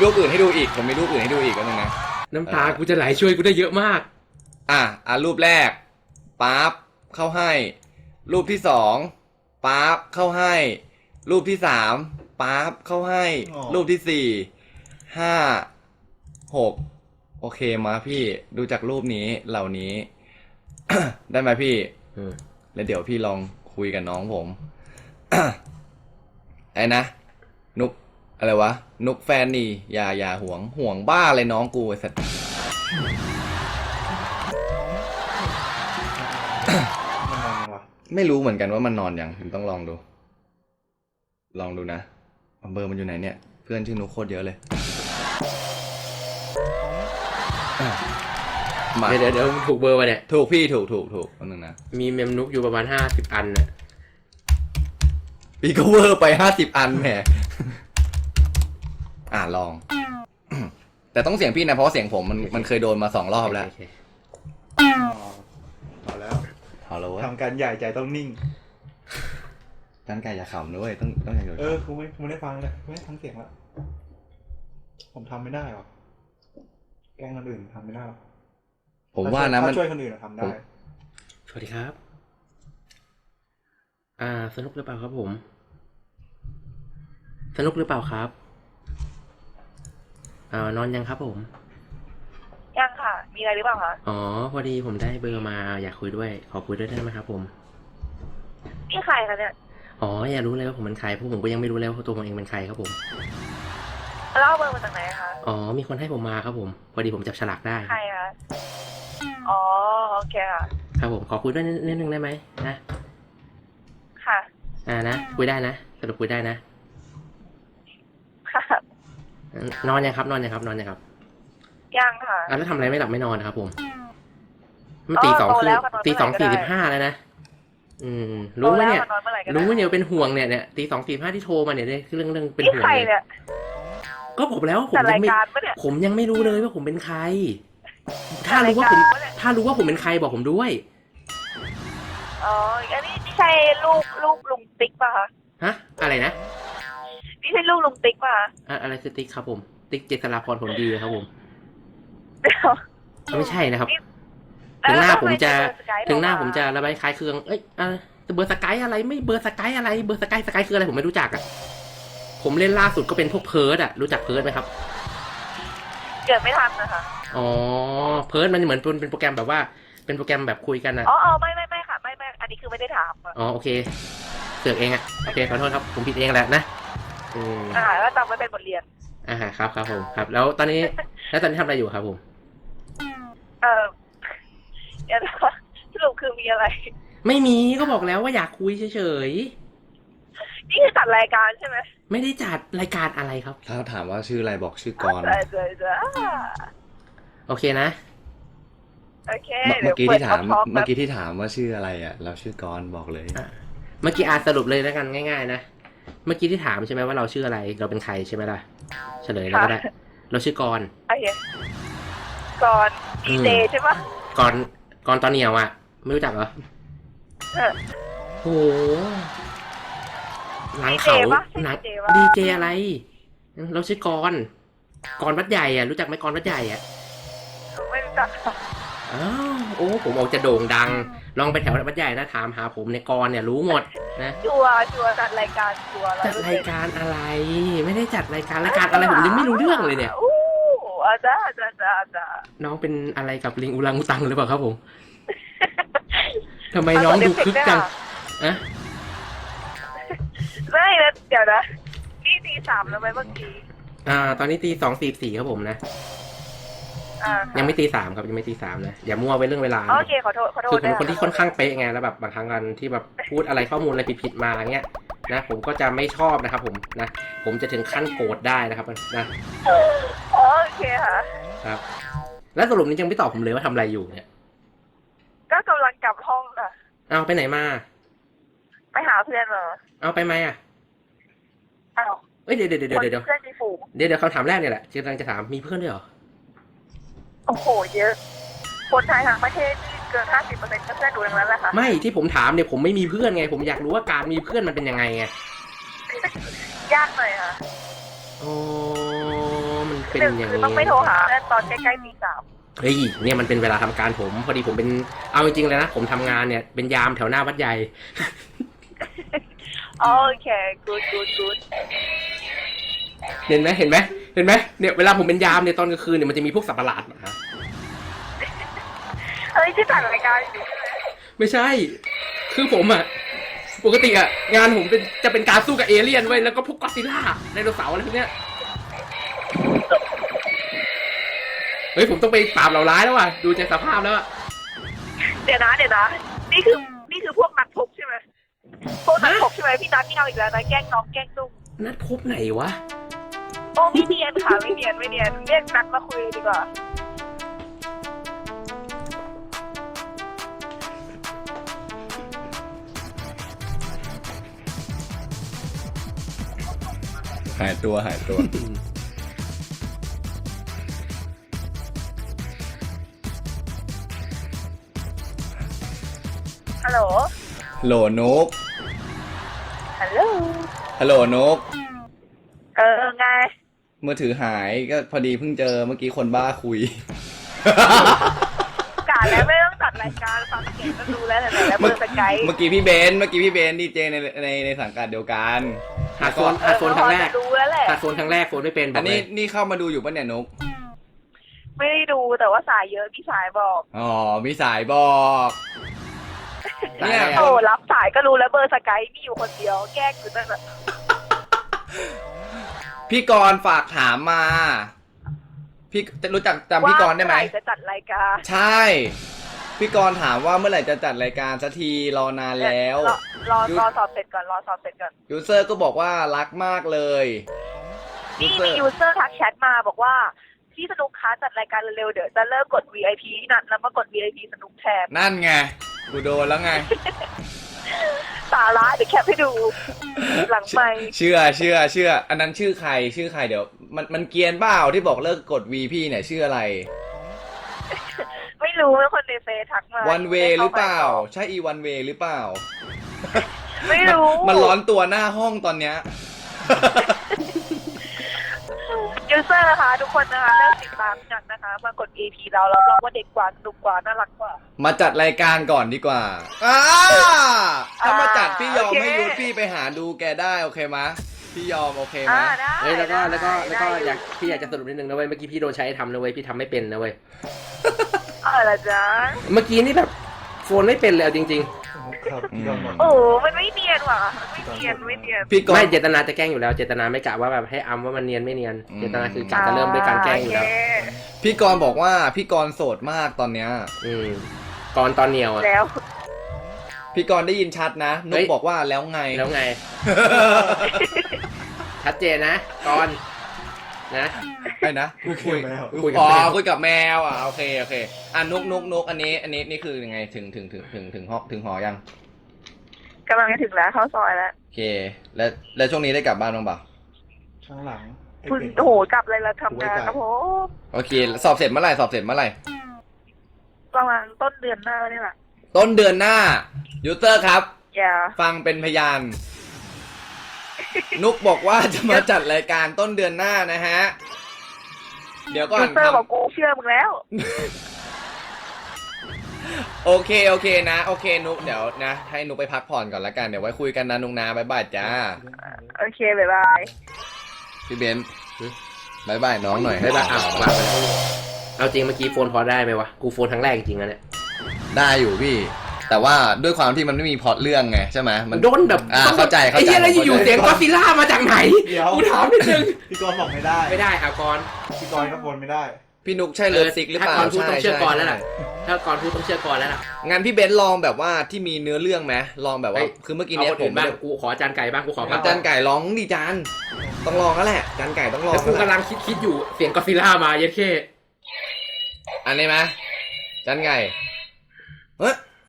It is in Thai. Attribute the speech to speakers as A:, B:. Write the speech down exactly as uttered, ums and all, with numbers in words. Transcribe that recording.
A: รูปอื่นให้ดูอีกผมมีรูปอื่นให้ดูอีกก็นึงนะ
B: น้ำตากูจะไหลช่วยกูได้เยอะมาก
A: อ่ะอ่ะรูปแรกปั๊บเข้าให้รูปที่สองปั๊บเข้าให้รูปที่สามปั๊บเข้าให้รูปที่สี่ห้าหกโอเคมาพี่ดูจากรูปนี้เหล่านี้ ได้ไหมพี่แล้วเดี๋ยวพี่ลองคุยกับน้องผม ไอ้นะนุกอะไรวะนุกแฟนนี่อย่าอย่าห่วงห่วงบ้าเลยน้องกูไอ้สัตว์ ไม่รู้เหมือนกันว่ามันนอนยังผมต้องลองดูลองดูนะเบอร์มันอยู่ไหนเนี่ยเพื่อนชื่อนุกโคตรเยอะเลย
B: เดี๋ยวเดี๋ยวถูกเบอร์มาเนี่ย
A: ถูกพี่ถูกถูกถูกคนนึงนะ
B: มีเมมนุกอยู่ประมาณห้าสิบอันน่ะ
A: พี่ก็เวอร์ไปห้าสิบอันแหมอ่าลองแต่ต้องเสียงพี่นะเพราะเสียงผมมันมันเคยโดนมาสองรอบแล้ว
C: เอาแล้ว
A: เอาแล้ว
C: ทำการใหญ่ใจต้องนิ่ง
A: การไก่อย่าขำด้วยต้องต้องอย่างเดียว
C: เออคุณไม่คุณไม่ได้ฟังเลยไม่ได้ฟังเสียงแล้วผมทำไม่ได้หรอแกล้งคนอื่นทำไม่ได้
A: ผมว่านะมัน
C: ช่วยคนอื่นทำได้
B: สวัสดีครับอ่าสนุกหรือเปล่าครับผมสนุกหรือเปล่าครับอ่านอนยังครับผม
D: ยังค่ะมีอะไรหรือเปล่าคะ
B: อ๋อพอดีผมได้เบอร์มาอยากคุยด้วยขอคุยด้วยได้ไหมครับผม
D: นี่ใครคะเนี่ย
B: อ๋ออยากรู้เลยว่าผมเป็นใครเพราะผมก็ยังไม่รู้แล้วว่าตัวผมเองเป็นใครครับผม
D: แล้วเอาเบอร์มาจากไหนคะ
B: อ๋อมีคนให้ผมมาครับผมพอดีผมจับฉลากได้
D: ใครคะอ๋อโอเคค่ะ
B: ครับผมขอคุยด้วยนิดนึงได้ไหมนะ
D: ค่ะ
B: อ่านะคุยได้นะสรุปคุยได้นะ
D: ค่ะ
B: นอนยังครับนอนยังครับนอนยังครับ
D: ยังค่ะ
B: อ่ะแล้วทำอะไรไม่หลับไม่นอนนะครับผมมันตีสองคือตีสองสี่สิบห้าแล้วนะอืมรู้ไหมเนี่ยรู้ไหมเนี่ยเป็นห่วงเนี่ยเนี่ยตีสองสี่ห้าที่โทรมาเนี่ยเนี่ยเรื่องเรื่องเป็นห่วง
D: เนี่ย
B: ก็ผมแล้วผมยังไม่ผมยังไม่รู้เลยว่าผมเป็นใครถ้ารู้ว่าผมถ้ารู้ว่าผมเป็นใครบอกผมด้วย
D: อ๋ออันนี้นี่ใช่ลูกลูกลุงติ๊กป่ะคะ
B: ฮะอะไรนะ
D: นี่ใช่ลูกลุงติ๊กป่ะ
B: อะไรคือติ๊กครับผมติ๊กเจษฎาพรผลดีครับผมไม่ใช่นะครับถึงหน้าผมจะถึงหน้าผมจะระบายคล้ายเครื่องเอ้ยเบอร์สกายอะไรไม่เบอร์สกายอะไรเบอร์สกายสกายคืออะไรผมไม่รู้จักอ่ะผมเล่นล่าสุดก็เป็นพวกเพิร์ดอ่ะรู้จักเพิร์ดไหมครับ
D: เกิดไม่ทันนะคะ
B: อ๋อเพิร์ดมันเหมือนเป็นโปรแกรมแบบว่าเป็นโปรแกรมแบบคุยกันอ่ะ
D: อ๋อไม่ไม่ไม่ค่ะไม่ไม่อันนี้คือไม่ได้ถาม
B: อ๋อโอเคเสือกเองอ่ะโอเคขอโทษครับผมผิดเองแหละนะ
D: อ่าแล้วจำไว้เป็นบทเรียน
B: อ่าครับครับผมครับแล้วตอนนี้แล้วตอนนี้ทำอะไรอยู่ครับผม
D: เออเดี๋ยวสรุปคือมีอะไร
B: ไม่มีก็บอกแล้วว่าอยากคุยเฉย
D: ๆนี่คือจัดรายการใช่ไหม
B: ไม่ได้จัดรายการอะไรครับ
A: ถ้าถามว่าชื่ออะไรบอกชื่อกร
B: โอเคนะ
D: โอเค
A: เมื่อกี้ที่ถามเมื่อกี้ที่ถามว่าชื่ออะไรอ่ะเราชื่อกรบอกเลย
B: เมื่อกี้อาสรุปเลยแล้วกันง่ายๆนะเมื่อกี้ที่ถามใช่ไหมว่าเราชื่ออะไรเราเป็นใครใช่ไหมล่ะเฉลยแล้วก็ได้เราชื่อกร
D: โอเคกรดีเจใช่ปะ
B: กรกรตอนเหนียวอ่ะไม่รู้จักเหรอโอ้หลังเขาหนังดีเจอะไรเราชื่อกรกรวัดใหญ่อ่ะรู้จักไหมกรวัดใหญ่อ่ะ
D: ไม่รู้จัก
B: อ้าวโอ้ผมออกจะโด่งดังลองไปแถววัดใหญ่นะถามหาผมในกรเนี่ยรู้หมดนะ
D: ชัวร์ชัวร์จัดรายการชัวร์
B: จัดรายการอะไรไม่ได้จัดรายการรายการอะไรผมยังไม่รู้เรื่องเลยเนี่ย
D: อู้อาจารย์อาจารย์อาจารย์
B: น้องเป็นอะไรกับลิงอุรังอุตังหรือเปล่าครับผมทำไมน้องดูคึกจังอะ
D: ไม่นะเดี๋ยวนะนี่ตีสามแล้วไหมเมื่อกี้
B: อ่าตอนนี้ตีสองสี่สี่ครับผมนะยังไม่ตีสามครับยังไม่ตีสามนะอย่ามั่วไปเรื่องเวลา
D: โอเคขอโทษขอโทษ
B: คือผมเป็นคนที่ค่อนข้างเป๊ะไงแล้วแบบบางครั้งกันที่แบบพูดอะไรข้อมูลอะไรผิดๆมาเงี้ยนะผมก็จะไม่ชอบนะครับผมนะผมจะถึงขั้นโกรธได้นะครับนะ
D: โอเคค่ะ
B: ครับแล้วสรุปนี้ยังไม่ตอบผมเลยว่าทำอะไรอยู่เนี่ย
D: ก็กำลังกลับห้องค่ะ
B: เอาไปไหนมา
D: ไปหาเพื่อนเหรอ
B: เอาไปไหมอ่ะ
D: อ้าว
B: เอ้ยเดี๋ยวเดี๋ยวเดี๋ยวเดี๋ยวเดี๋ยวเดี๋ยวเดี๋ยวคำถามแรกเนี่ยแหละกำลังจะถามมีเพื่อนด้วยเหรอ
D: โอ้โหเยอะคนไทยทั้งประเทศนี่เกินห้าสิบเปอร์เซ็นต์ก็เพื่อนดูอย่างนั้นแหละค่ะ
B: ไม่ที่ผมถามเนี่ยผมไม่มีเพื่อนไงผมอยากรู้ว่าการมีเพื่อนมันเป็นยังไงไง
D: ยากหน่อยค่ะ
B: โอ้มันเป็น
D: หนึ่ง
B: อย่าง
D: คือ
B: นี้
D: ต้องไม่โทรหาเพื่อนตอนใกล้ๆตีสาม
B: เฮ้ยเนี่ยมันเป็นเวลาทำการผมพอดีผมเป็นเอาจริงๆเลยนะผมทำงานเนี่ยเป็นยามแถวหน้าวัดใหญ่
D: โอเค good good good
B: เห็นไหมเห็นไหมเห็นไหมเนี่ยเวลาผมเป็นยามเนี่ยตอนกลางคืนเนี่ยมันจะมีพวกสัตว์ประหลาดมาฮะ
D: เฮ้ยที่จัดรายการอยู่ใช่ไหม
B: ไม่ใช่ คือผมอะปกติอะงานผมเป็นจะเป็นการสู้กับเอเลี่ยนไว้ยแล้วก็พวกก็อดซิลล่าไดโนเสาร์อะไรพวกเนี้ยเฮ้ยผมต้องไปปราบเหล่าร้ายแล้วว่ะดูจากสภาพแล้วอะ
D: เดี๋ยวนะเดี๋ยวนะนี่คือนี่คือพวกนักพบใช่ไหมพวกนักพบใช่ไหมพี่นัทที่เอาอีกแล้วนะแกล้งน้องแกล้งตุ้ง
B: นัดพบไหนวะ
D: โอ้ไม่เนียนค่ะไม่เนียนไม่เนียนเรียกนัดมาคุยดีกว่า
A: หายตัวหายตัว
D: ฮัลโหล
A: โหลนุก
D: ฮัลโหล
A: ฮัลโหลนุก
D: เออไง
A: มือถือหายก็พอดีเพิ่งเจอเมื่อกี้คนบ้าคุย
D: กาแล้วไม่ต้องจัดรายการฟังเสียงก็รู้แล้วแต่ไหนแล้วเบอร์สกาย
A: เมื่อกี้พี่เบนซ์เมื่อกี้พี่เบนซ์ดีเจในในในสังกัดเดียวกัน
B: หาโซนหาโซนครั้งแรก
D: รู้แล้วแหละ
B: หาโซนครั้งแรกโซนไม่เป็นบ
A: อั
B: อน กเล
A: นี้
B: ย
A: นี่เข้ามาดูอยู่ปะเนี่ยนุก
D: ไม่ได้ดูแต่ว่าสายเยอะพี่สายบอก
A: อ๋อมีสายบอกเนี่ย
D: โอ้รับสายก็รู้แล้วเบอร์สกายมีอยู่คนเดียวแกล้งอยู่นั่นแหละ
A: พี่กรณ์ฝากถามมา พี่รู้จักจำพี่กรณ์ได้ไหม
D: ว่าเอร่จะจัดรายการ
A: ใช่ พี่กรณ์ถามว่าเมื่อไหร่จะจัดรายการสักทีรอนานแล้ว
D: รอรอรอสอบเสร็จก่อนรอสอบเสร็จก่อน
A: ยูเซอร์ก็บอกว่ารักมากเลยยู
D: นี่
A: เซอ
D: มี
A: ร์
D: ยูเซอร์ทักแชทมาบอกว่าพี่สนุกค้าจัดรายการเร็วๆเดี๋ยวจะเลิกกด วี ไอ พี ที่นัดแล้วมากด วี ไอ พี สนุกแทน
A: นั่นไงกูโดนแล้วไง
D: สาระเดี๋ยวแคปให้ดู หลังไมค์
A: เชื่อเชื่อเชื่อ อันนั้นชื่อใครชื่อใครเดี๋ยว มันมันเกรียนเปล่าที่บอกเลิกกด วี พี่เนี่ยชื่ออะไร
D: ไม่รู้ว่าคนในเฟซทักมา
A: วันเวหรือเปล่า ใช่อีวันเวหรือเปล่า
D: ไม่รู้
A: มันร้อนตัวหน้าห้องตอนเนี้ย
D: ยูเซอร์นะคะทุกคนนะคะเลิกติดตามกันนะคะ มากด วี ไอ พี เราแล้วเราว่าเด็กกว่าสนุกกว่าน่ารักกว่า
A: มาจัดรายการก่อนดีกว่าอ่าถ้ามาจัดพี่ยอม
D: โอเค
A: ให้ยูพี่ไปหาดูแกได้โอเคมะพี่ยอมโอเค
D: อ่าม
A: ะ
D: ได้
B: เฮ้ยแล้วก็
D: ได้
B: แล้วก็แล้วก็
D: ได้
B: อยากพี่อยากจะสรุปนิดนึงนะเว้ยเมื่อกี้พี่โดนใช้ทำนะเว้ยพี่ทำไม่เป็นนะเว้ย
D: เออละจ๊ะ
B: เมื่อกี้นี่แบบโฟนไม่เป็นเลยเอาจริง
C: ครับพี่กรณ์บอก
D: โอ้มันไม่เนียนว่ะมันไม่เนียนไม่เนียน
A: พี่ก
B: ๆ
A: ร
B: ไม่
A: ณ์
B: เจตนาจะแกล้งอยู่แล้วเจตนาไม่กะว่าแบบให้อำว่ามันเนียนไม่เนียน
A: อืม
B: เจตนาคือกะจะเริ่มด้วยการแกล้งอยู่แล้ว
D: โเค
A: พี่กรณ์บอกว่าพี่กรณ์โสดมากตอนเนี้ย
B: อืมก่อนตอนเหนียวอะ
D: แล้ว
A: พี่กรณ์ได้ยินชัดนะนุ
B: เฮ้
A: ก
B: ย
A: บอกว่าแล้วไง
B: แล้วไง ชัดเจนนะก่อนนะ
A: ไอ้นะ
C: คุยแล้ว
B: คุยกับ
A: อ๋อ
B: แมว
A: คุยกับแมวอ่ะโอเคโอเคอ่ะนุกนุกนุกอันนี้ อันนี้นี่คือยังไงถึงถึงถึงถึงถึงหอถึงหอยัง
D: กำลังจะถึงแล้วเข้าซอยแล้ว
A: โอเค แล้วแล้วช่วงนี้ได้กลับบ้านบ้างเปล่า
C: ข้างหลังไอ้
D: คุณ
C: เก่ง
D: โอ้โหกลับเลยละทำงานครับผม
A: โอเค สอบเสร็จเมื่อไหร่สอบเสร็จเมื่อไหร่
D: ประมาณต้นเดือนหน้านี่แหละ
A: ต้นเดือนหน้ายูเซอร์ครับ
D: อย่า
A: ฟังเป็นพยาน นุกบอกว่าจะมาจัดรายการต้นเดือนหน้านะฮะ เดี๋ยวก่อ
D: ยู
A: น
D: เซอร์
A: ค
D: บ
A: รั
D: อบ กกูเชื่อมึงแล้ว
A: โอเคโอเคนะ โอเคนุกเดี๋ยวนะ ให้นุกไปพักผ่อนก่อนละกันเดี๋ยวไว้คุยกันนะนุกนะบ๊ายบายจ้า
D: โอเคบ๊ายบาย
A: พี่เบนซ์บายบายน้องหน่อย
B: ได้ปะอ้าววางไปแล้วเอาจริงเมื่อกี้โฟนพอได้ไหมวะกูโฟนครั้งแรกจริงๆนะเนี่ย
A: ได้อยู่พี่ แต่ว่าด้วยความที่มันไม่มีพล็อตเรื่องไงใช่ไหมมัน
B: โดนแบบ
A: อ่าเข้าใจเข้าใจ
B: ไอ้เหี้ยแล้วอยู่ๆ
A: เข้าใจ
B: เสียงก็อดซิลล่ามาจากไหน
C: เดี๋ยว
B: กูถามนิดนึง
C: พี่กรณ์บอกไม่ได้
B: ไม่ได้อ่ะก่อน
C: พี่กรณ์ก็วนไม่ได้
A: พี่นุกใช่เลิฟซิกหรือเปล่า
B: ถ้าก่อนพูดต้องเชื่อก่อนแล้ว
A: ใช่
B: ล่ะถ้าก่อนพูดต้องเชื่อก่อนแล้วล่ะ
A: งั้นพี่เบนซ์ลองแบบว่าที่มีเนื้อเรื่องไหมลองแบบว่า
B: เฮ้ย
A: คือเมื่อกี้
B: เอา
A: เนี้ย
B: คน
A: ผ
B: อื่
A: ม
B: นบ้างกูขออาจารย์ไก่บ้างกูขอพั
A: อาก จารย์ไก่ร้องดิจานต้องลองแล้วแหละจานไก่ต้องลอง
B: แล้วกู
A: แล้วแหละ
B: กำลังคิดคิดอยู่เสียงก็อดซิลล่ามาเย็ดเข้
A: อันนี้ไหมจานไก่เฮ้ย